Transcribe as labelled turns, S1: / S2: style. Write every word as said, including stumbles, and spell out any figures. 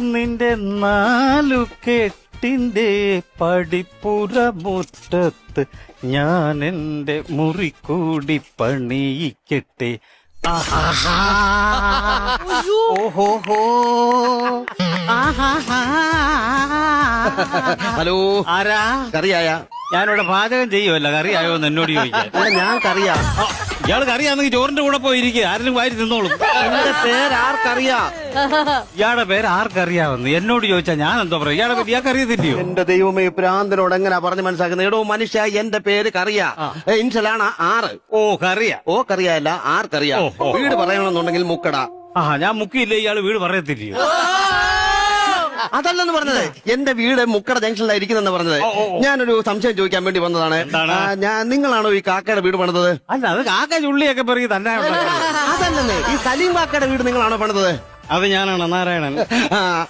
S1: നിന്റെ നാലു കെട്ടിന്റെ പടിപ്പുറ മുറ്റത്ത് ഞാൻ എന്റെ മുറിക്കൂടി പണിയിക്കട്ടെ. ഓഹോ.
S2: ഹലോ,
S1: ആരാ?
S2: കറിയായ?
S1: ഞാനിവിടെ പാചകം ചെയ്യുമല്ല, കറിയായോ എന്ന് എന്നോട് ചോദിക്കാൻ.
S2: ഞാൻ കറിയാ.
S1: ഇയാൾ കറിയാണെങ്കിൽ ചോറിന്റെ കൂടെ പോയിരിക്കുക, ആരെങ്കിലും വാരി തിന്നോളും.
S2: എന്റെ പേര് ആർക്കറിയാ?
S1: ഇയാളുടെ പേര് ആർക്കറിയാവുന്നു എന്നോട് ചോദിച്ചാ ഞാൻ എന്തോ പറയാം? ഇയാളെ പറ്റി ഇയാൾക്ക് അറിയത്തില്ലയോ?
S2: എന്റെ ദൈവമേ, പ്രാന്തനോട് എങ്ങനെയാ പറഞ്ഞ് മനസ്സിലാക്കുന്നത്? എടോ മനുഷ്യ, എന്റെ പേര് കറിയാ. ഇൻഷലാണ് ആറ്.
S1: ഓ, കറിയാ.
S2: ഓ കറിയല്ല, ആർക്കറിയാ. വീട് പറയണമെന്നുണ്ടെങ്കിൽ മുക്കട.
S1: ആ, ഞാൻ മുക്കിയില്ലേ, ഇയാള് വീട് പറയത്തില്ലയോ?
S2: അതല്ലെന്ന് പറഞ്ഞത്, എന്റെ വീട് മുക്കട ജംഗ്ഷനിലായിരിക്കുന്നെന്ന് പറഞ്ഞത്. ഞാനൊരു സംശയം ചോദിക്കാൻ വേണ്ടി വന്നതാണ്. ഞാൻ നിങ്ങളാണോ ഈ കാക്കയുടെ വീട് പണിതത്?
S1: അല്ല, അത് കാക്ക ചുള്ളിയൊക്കെ പറയും തന്നെ.
S2: അതല്ലെന്നേ, ഈ സലീം കാക്കയുടെ വീട് നിങ്ങളാണോ പണിതത്?
S1: അത് ഞാനാണ്, നാരായണൻ.